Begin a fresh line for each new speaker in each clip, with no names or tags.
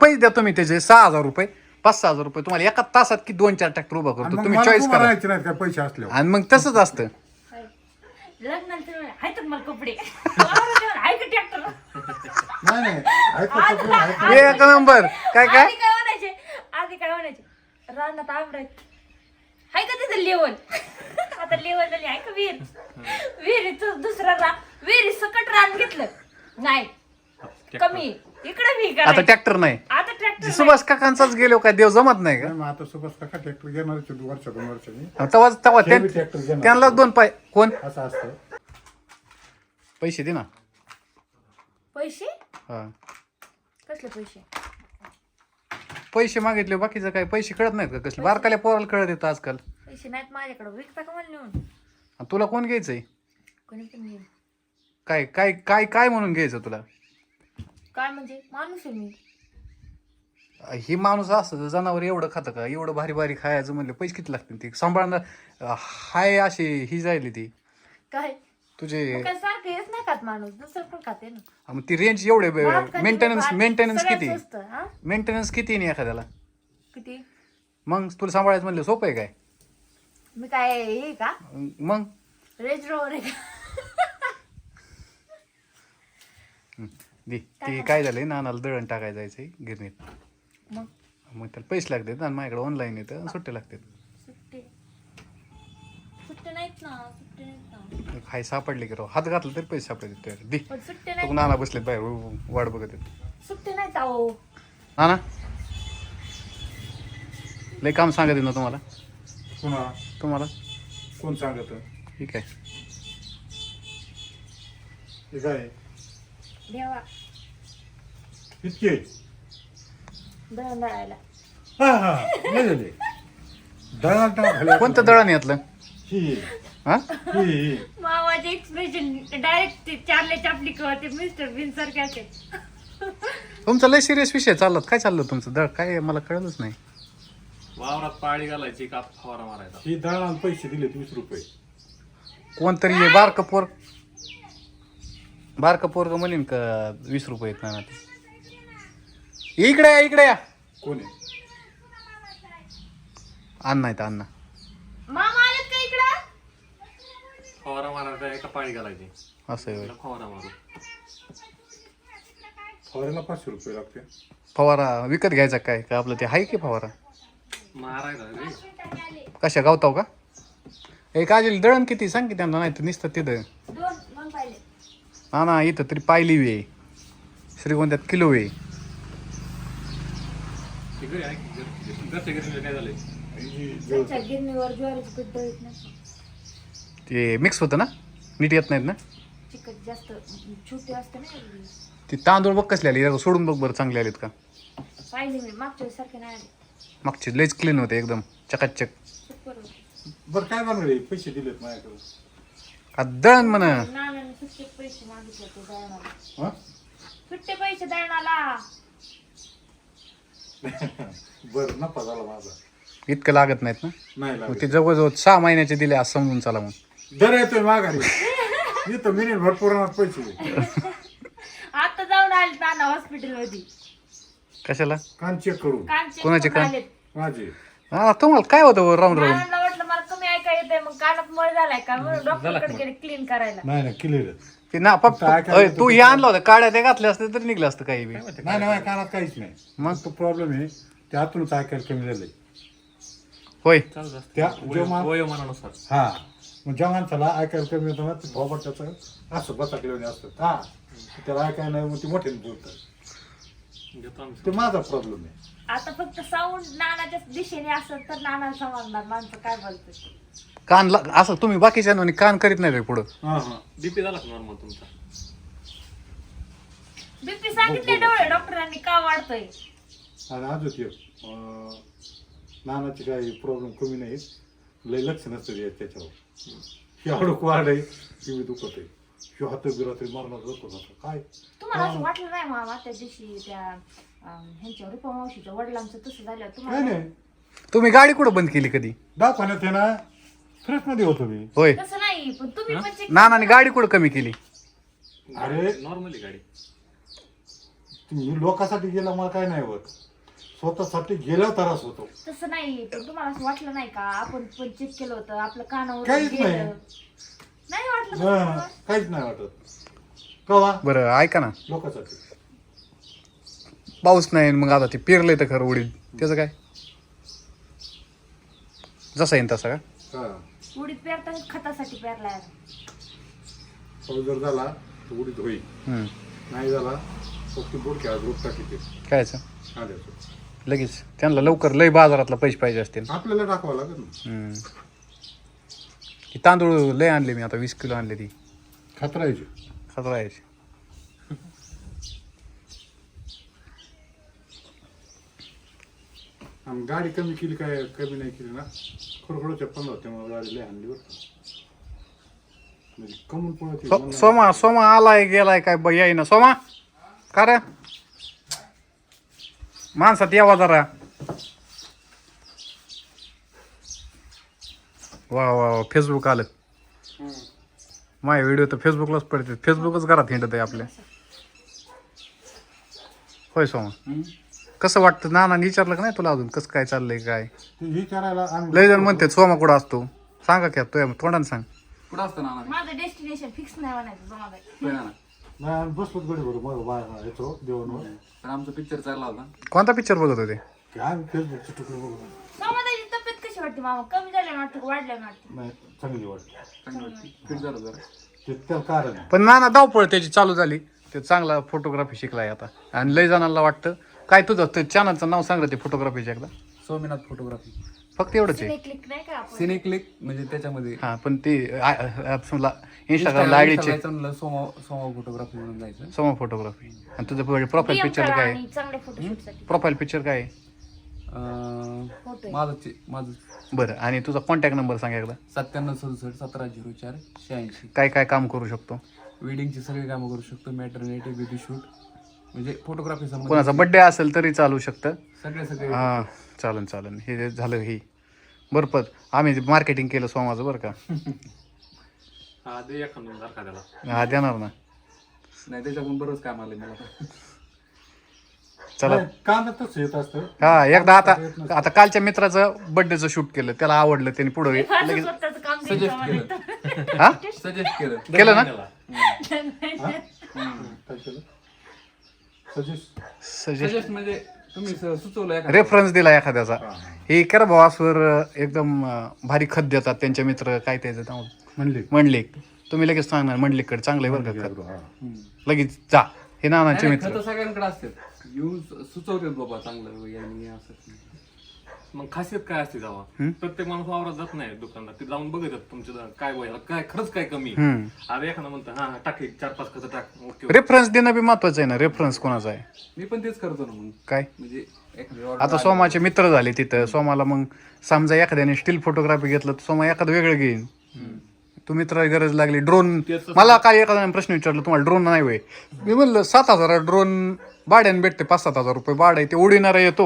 पैसे द्या तुम्ही त्याचे 6,000 रुपये 5,000 रुपये तुम्हाला एका तासात की 2-4 ट्रॅक्टर उभा करतो तुम्ही चॉईस करा
नाही काय पैसे असल्यावर
आणि मग तसंच असतं
लग्नानंतर आहे तर मला कपडे आहे का ट्रॅक्टर
नाही नाही ऐका सगळं ऐका.
एक नंबर काय
आधी काय म्हणायचे रानात आवडायच आहे का तिथं लेवल आता लेवल झाली आहे का विहिरीचं दुसरा विहिरी सकट रान घेतलं नाही कमी इकडे मी
आता
करायचं.
ट्रॅक्टर नाही
आता ट्रॅक्टर
सुभाष काकांचाच गेलो काय देव जमत नाही का
नाही, मग आता सुभाष काका ट्रॅक्टर घेणार वर्षा 2 वर्षांनी
तेव्हा तेव्हा
हे बी ट्रॅक्टर घेणार.
त्यांना 2 पाय कोण
असं असतं.
पैसे दे ना
पैसे
हा
कसले पैसे
पैसे मागितले बाकीचं काय पैसे कळत नाहीत का कसले बारकाल्या पोराला कळत येतं आजकाल
पैसे नाहीत माझ्याकडे विकता का मला नेऊन
आणि तुला कोण घ्यायचंय
कोणी पण घेईन
काय काय काय काय म्हणून घ्यायचं तुला
काय म्हणजे माणूस आहे मी
ही माणूस असं जनावर एवढं खातं का एवढं भारी भारी खायचं म्हणलं पैसे किती लागतील ते सांभाळणं हाय अशी ही जायली ती
काय
तुझे
मग काय सारखं हेच नाही खात माणूस दुसरं पण खाते ना
मग ती रेंज एवढे
भात खाते,
मेंटेनन्स
भात
मेंटेनन्स
सगळ्यात
किती
स्वस्त, हा?
मेंटेनन्स किती नाही एखाद्याला
किती
मग तुला सांभाळायचं म्हणलं सोपं आहे काय
मी काय हे का
मग
रेंज रोवर आहे का
दी ती काय झालंय नानाला दळण टाकायला जायचंय गिरणीत
मग
मग त्याला पैसे लागतात आणि माझ्याकडे ऑनलाईन येतं सुट्टे लागतात
सुट्टे सुट्टे नाहीत ना सुट्टे नाहीत ना
हाय सापडले की राव हात घातला तरी पैसे सापडले तुझ्याकडे दी
पण सुट्टे
तू
नाही
नाना बसलेत बाहेर वाट बघत आहेत
सुट्टे नाहीत अहो
नाना लय काम सांगत आहे ना तुम्हाला
पुन्हा
तुम्हाला
कोण सांगत
ठीक आहे
हे काय
देवा
इतके
दळण दळायला
हा हा नाही झाले दळा टाक
कोणतं दळण यातलं
ही
हा
ही
मावाचे एक्सप्रेशन डायरेक्ट ते चार्ले चापली किंवा ते मिस्टर बिन सारखे
तुमचा लय सिरियस विषय चाललात काय चाललं तुमचं दळ काय मला कळलंच नाही
वावरात पाळी घालायची का फवारा मारायचा
ही दळाला पैसे दिले 20 रुपये
कोणतरी हे बारकं पोरग म्हणेन का 20 रुपये येत ना इकडे या
कोण आहे
अण्णा आहेत अण्णा
मामा आलेत का इकडं
फवारा मारायचा एका पाळी घालायची
असं आहे होय.
त्याला फवारा मारू
फवाऱ्याला 500 रुपये लागते
फवारा विकत घ्यायचा काय का आपलं ते आहे की फवारा
मारायचा रे.
कशा गावताव का एक आजील दळण किती सांग की त्यांना नाही तर नुसतं तिथं
दोन पाहिले
ना इथं तरी पायली वे श्रीगोंद्यात किलो वे
ते घरी आहे की घरच्या घरी काय झालंय
त्यांच्या गिरणीवर ज्वारीची पीठ दळत नाही
ते मिक्स होतं ना नीट येत नाहीत ना
चिकट जास्त छोटे असते ना
ते तांदूळ बघ कसले आले सोडून बघ बरं चांगले आलेत का
पाहिले मी मागच्या वेळेस सारखे नाही आले
मागचे लयच क्लीन होते एकदम चकाचक
सुपर होते
बरं काय बनवले पैसे दिलेत माझ्याकडे
आ, दळण म्हणा
नानाने सुट्टे पैसे मागितले ते दळणाला
हा
सुट्टे पैसे दळणाला
बरं नफा झाला माझा
इतकं लागत नाहीत ना
नाही
मग
लागत
ते जवळजवळ 6 महिन्याचे दिले आज समजून चला मग
दर येतोय माघारी इथं मिनिट भरपूर पैसे दे.
आता जाऊन आले नाना हॉस्पिटल मध्ये
कशाला
कान चेक करून
कोणाचे कान?
माझे
हा तुम्हाला काय होतं राऊंड राऊंड
नानाला वाटलं मला कमी ऐका येते मग कानात मळ झालाय का म्हणून डॉक्टरकडे गेले क्लीन करायला
नाही नाही क्लिअर
ते ना पप्पा अय, तू हे आणलं होतं काड्या ते घातल्या असते तर निघलं असतं काही बी
नाही नाही माझ्या कानात काहीच नाही
मग?
तो प्रॉब्लेम आहे ते आतूनच ऐकायला कमी झालंय
होय
चालत असतं.
त्या जेव्हा
वयोमानानुसार
हा मग जेव्हा माणसाला ऐकायला कमी होतं ना ते थोबट त्याचं असं बसाकलेलं असतं हा त्याला ऐकायला नाही मग ते मोठ्याने बोलतात
घेतो आम्ही
ते माझा प्रॉब्लेम आहे
आता फक्त साऊंड नानाच्या दिशेने असत तर नाना समजणार माणसं काय बोलतात
कान असं तुम्ही बाकीच्या नोनी कान करीत नाही रे पुढं
हा हा
बीपी झाला नॉर्मल तुमचा
बीपी सांगितले डोळे डॉक्टरांनी का वाढतोय
आणि अजून नानाचे काही प्रॉब्लेम कमी नाही लय लक्ष नसतं त्याच्यावर हे अडूक वाढ आहे टी व्ही दुखत आहे हे हात बिरात्री मारणार दुखत होतं काय
तुम्हाला असं वाटलं नाही मामा त्या दिवशी त्या ह्यांच्या रुपा मावशीच्या वडिलांचं तसं झालं
काय
तुम्हाला
नाही
तुम्ही गाडी कुठं बंद केली कधी
दवाखान्यात आहे ना फ्रेश मध्ये होतो मी
होय
तसं नाही पण तुम्ही पण check
नानाने गाडी कुठं कमी केली
अरे
नॉर्मली गाडी
मी लोकांसाठी गेला मला काय नाही होत, स्वतःसाठी गेल्यावर त्रास होतो.
तसं नाही, पण तुम्हाला असं वाटलं नाही का आपण पण चेक केलं होतं आपलं कानावर
काहीच नाही.
गेलं नाही वाटलं का
हा,
तुम्हाला?
काहीच नाही वाटत. कवा
बरं ऐका ना,
लोकांसाठी.
पाऊस नाही मग आता ते पेरलंय तर खरं उडीद, त्याचं काय जसा येईन तसा का?
हा,
उडीद पेरताना खतासाठी पेरलाय.
पाऊस जर झाला तर उडीत होईल,
हम्म.
नाही झाला फक्त बोट आज रोप टाकीते
कायचं
आल्याचं.
लगेच त्यांना लवकर लय बाजारातला पैसे पाहिजे असतील.
आपल्याला टाकावं लागेल ना.
हम्म. ही तांदूळ लय आणले मी आता, 20 किलो आणले ती
खतरायची.
खतरायची.
आणि गाडी कमी केली काय कमी नाही केली ना, खरोखरच्या 15 त्यामुळे गाडी लय आणली बरं. म्हणजे कमून पळत
सोमा आलाय गेलाय काय याय ना सोमा का रे माणसात यावा जरा. वा वा फेसबुक आलं, माझे व्हिडिओ तर फेसबुकलाच पडते, फेसबुकच घरात हिंडत आहे आपल्या. होय सोमा, कसं वाटतं नाना विचारलं का नाही तुला अजून कसं काय चाललंय काय?
विचारायला आम्ही
लय जण म्हणते सोमा कुठं असतो, सांगा क्या तुझ्या तोंडाने सांग.
कुठं असतं नाना?
माझं डेस्टिनेशन फिक्स नाही म्हणायचं जमाबाई.
होय नाना.
नाही आम्ही बसलोच गडी बरोबर मग बाहेर येतो देवांवर.
पण आमचा पिक्चर चालला होता.
कोणता पिक्चर बघत होते?
काय आम्ही फेसबुकचे तुकडे बघून.
जमाबाईची तब्येत कशी वाटते मामा? कमी झाल्याने वाटतं का वाढल्याने वाटते?
नाही चांगली वाटते.
चांगली वाटते. फिट झालं जरा.
ते त्याला कारण आहे.
पण नाना धावपळ त्याची चालू झाली, ते चांगला फोटोग्राफी शिकलाय आता. आणि लय जणांना वाटतं काय तुझं ते चॅनलचं नाव सांग ते फोटोग्राफीचं एकदा.
सोमनाथ फोटोग्राफी.
फक्त एवढंच आहे.
सिने क्लिक नाही का आपण?
सिने क्लिक म्हणजे त्याच्यामध्ये
हा पण ते इंस्टाग्रामला आयडीचे
सोमा फोटोग्राफी म्हणून जायचं.
समोर फोटोग्राफी. आणि तुझं प्रोफाईल
DM
पिक्चर
करा
काय
आणि चांगल्या फोटोशूटसाठी
प्रोफाईल पिक्चर काय आहे?
फोटो आहे.
माझं
बरं, आणि तुझा कॉन्टॅक्ट नंबर सांग एकदा.
9767170486.
काय काय काम करू शकतो?
वेडिंगची सगळी कामं करू शकतो, मॅटर्निटी, बेबी शूट, म्हणजे फोटोग्राफी
कोणाचा बर्थडे असेल तरी चालू शकतं.
सगळे
हा चालन हे झालं ही बरं. आम्ही मार्केटिंग केलं सोमाचं बरं का.
हा दे एखादं सारखा त्याला.
हा देणार ना.
नाही त्याच्याकडून बरंच काम आलं मला.
चला
कामातच येत असतं.
हा एकदा आता कालच्या मित्राचं बर्थडेचं शूट केलं, त्याला आवडलं, त्याने पुढे
माझं स्वतःचं काम
सजेस्ट
द्यायचं
केलं.
मला.
हा
सजेस्ट केलं.
केलं ना.
काय केलं सजेस्ट.
सजेस्ट
म्हणजे तुम्ही सुचवलं एखादं.
रेफरन्स दिला एखाद्याचा, हे करा भावासवर एकदम भारी खत देतात त्यांचे मित्र, काय त्याचं नाव
म्हणले
मंडलिक. तुम्ही लगेच सांगणार मंडलिककडे चांगलं आहे बरं का खत,
हा.
लगेच जा. हे नानाचे
नाही,
मित्र
खतं सगळ्यांकडे असतात, येऊन सुचवतात बाबा चांगलं यांनी असं.
मग खासियत काय असते जावा? प्रत्येक माणूस वावरात जात नाही दुकानात, ते जाऊन बघतात तुमच्या काय वय काय खरंच काय कमी. अरे एखादा म्हणतं हा टाक 4-5 खतं टाक, ओके.
रेफरन्स देणं बी महत्वाचं आहे ना. रेफरन्स कोणाचा आहे
मी पण तेच करतो ना मग.
काय?
म्हणजे एखादी
आता सोमाचे मित्र झाले तिथं, सोमाला मग समजा एखाद्याने स्टील फोटोग्राफी घेतलं तर सोमा एखादं वेगळं घेईन. तू मित्राला गरज लागली ड्रोन, मला काय एखाद्याने प्रश्न विचारला तुम्हाला ड्रोन नाही होय, मी म्हणलं 7,000 ड्रोन भाड्याने भेटते, 5-7,000 रुपये भाडं आहे, ते उडविणारा येतो.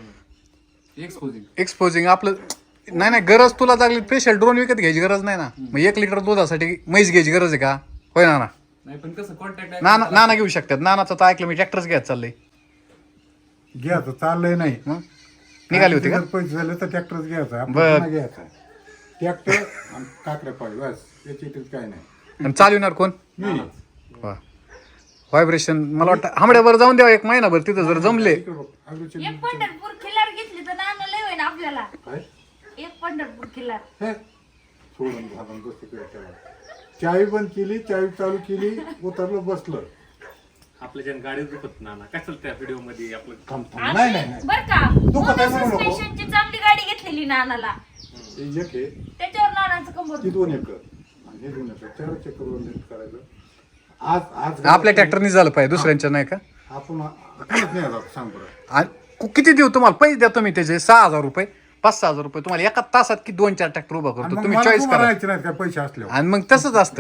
एक्सपोजिंग आपलं नाही गरज तुला लागली स्पेशल ड्रोन विकत घ्यायची गरज नाही ना. मग 1 लिटर दुधासाठी म्हैस घ्यायची गरज आहे का? होय ना.
नाही पण कसं कॉन्टॅक्ट
नाना घेऊ शकतात. नानाचं तर ऐकलं मी ट्रॅक्टरच घ्यायचं चाललंय.
घ्यायचं चाललंय नाही.
मग निघाली होती का?
जर पैसे झाले तर ट्रॅक्टरच घ्यायचा.
बर.
आपण घ्यायचा ट्रॅक्टर आणि काकड्या पाळी बस, याची काय नाही.
आणि चालविणार कोण?
मी
वा व्हायब्रेशन. मला वाटतं आंबड्यावर जाऊन द्यावा 1 महिनाभर, तिथं जर जमले.
इकडे बघ, अगदी
एक पंढरपूर खिल्लार घेतली तर नाना लय होईन आपल्याला.
काय
एक पंढरपूर खिल्लार.
हे सोडून घालून गोष्टी केला. चावी बंद केली, चावी चालू केली, उतरलं बसलं.
आपल्या ज्या गाडीत दुखत ना कशाला त्या व्हिडिओ मध्ये आपलं
थांब थांब. नाही नाही नाही.
बर का,
दुखत आहे म्हणू नको.
सस्पेन्शनची चांगली गाडी घेतलेली नानाला,
हे एक आहे,
त्याच्यावर नानाचं कंबर.
ती 2 एकर आणि हे 2 एकर, 4 एकरवर नीट करायचं. आज
आपल्या ट्रॅक्टरनी झालं पाहिजे, दुसऱ्यांच्या नाही का?
आपण कोणच नाही आता सांग बरं.
आणि किती देऊ तुम्हाला पैसे द्या तुम्ही त्याचे? 6,000 रुपये 5-6,000 रुपये तुम्हाला एका तासात की 2-4 ट्रॅक्टर उभा
आणि
करतो,
मग
तुम्ही
मला
चॉईस
तुम्हाला
करा.
राहायचे नाहीत काय पैसे असल्यावर.
आणि मग तसंच असतं.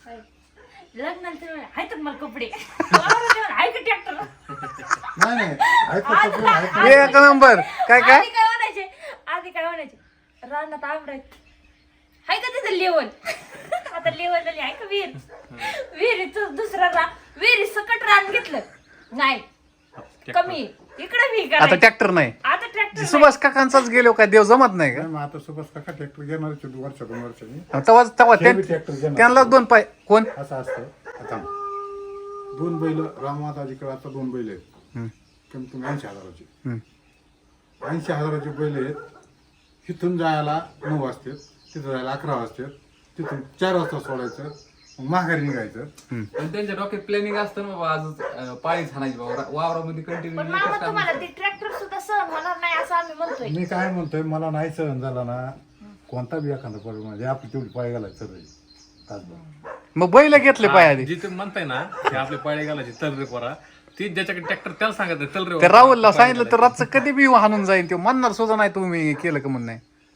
लग्नाला हाय तर मला कपडे हाय का ट्रॅक्टर?
नाही नाही ऐकत तर ऐकत.
एक नंबर. काय
आधी काय म्हणायचे रानात आंबरायत हाय का तिथं लेवल. आता लेवल झाली आहे का विहीर, विहिरीच दुसरा विहिरी सकट रान घेतलं नाही कमी इकडे मी
आता
करायचं.
ट्रॅक्टर नाही
आता ट्रॅक्टर
सुभाष काकांचाच गेलो काय देव जमत नाही का
मग आता सुभाष काका ट्रॅक्टर घेणार वर्षा 2 वर्षांनी
तेव्हा तेव्हा
ते बी ट्रॅक्टर घेणार
त्यांना 2 पाय कोण
असं असतं आता 2 बैल राममाताजीकडे आता 2 बैल आहेत
हम्म,
कमी कमी 80,000ची
हम्म.
80,000चे बैल आहेत इथून जायला 9 वाजतात तिथं जायला 11 वाजतात तिथून 4 वाजता सोडायचं मग माघारी निघायचं
पण त्यांच्या डोक्यात प्लॅनिंग असतं ना बाबा आज पाळी छानायची बाबा वावरामध्ये कंटिन्यू
पण मामा तुम्हाला ते ट्रॅक्टर सुद्धा सहन होणार नाही असं आम्ही म्हणतोय.
मी काय म्हणतोय मला नाही सहन झाला ना कोणता बी एखादा पडू म्हणजे आपली तेवढी पाय घालायचं तर तासभर.
मग बैल घेतले पाय आधी
जे तुम्ही म्हणताय ना ते आपले पाळे घालायचे तल रे पोरा ती ज्याच्याकडे ट्रॅक्टर त्याला सांगायचं चल रे
त्या राहुलला सांगितलं तर रातचं कधी बी हाणून जाईन ते म्हणणार सुद्धा नाही तुम्ही केलं का म्हणून नाही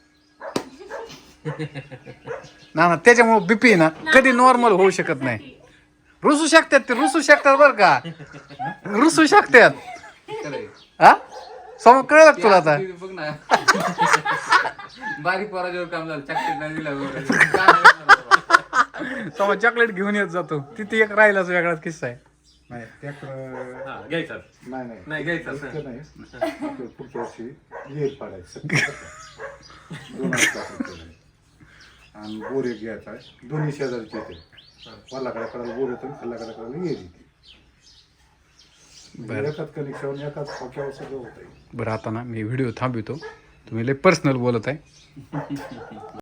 ना त्याच्यामुळे बीपी ना कधी नॉर्मल होऊ शकत नाही रुसू शकतात ते रुसू शकतात बरं का रुसू शकतात हा समोर कळलं का तुला आता
बघ ना बारीक पोराजवळ काम झालं चॉकलेट नाही दिला वगैरे. काय नाही बाबा.
समोर चॉकलेट घेऊन येत जातो तिथे एक राहिलाच वेगळाच किस्सा आहे
नाही ट्रॅक्टर
हा घ्यायचा
नाही नाही
नाही घ्यायचा
इतकं नाही आपलं पुढच्या वर्षी येईल पाडायचं 2 लाख आणि बोर एक घ्यायचा आहे 2 शेजारचे येते वल्लाकडे करायला बोर येतो खाल्लाकडे करायला येईल एकाच कनेक्शन एकाच खोक्यावर सगळं होतं
बरं आता ना मी व्हिडिओ थांबवतो तुम्ही लय पर्सनल बोलत आहे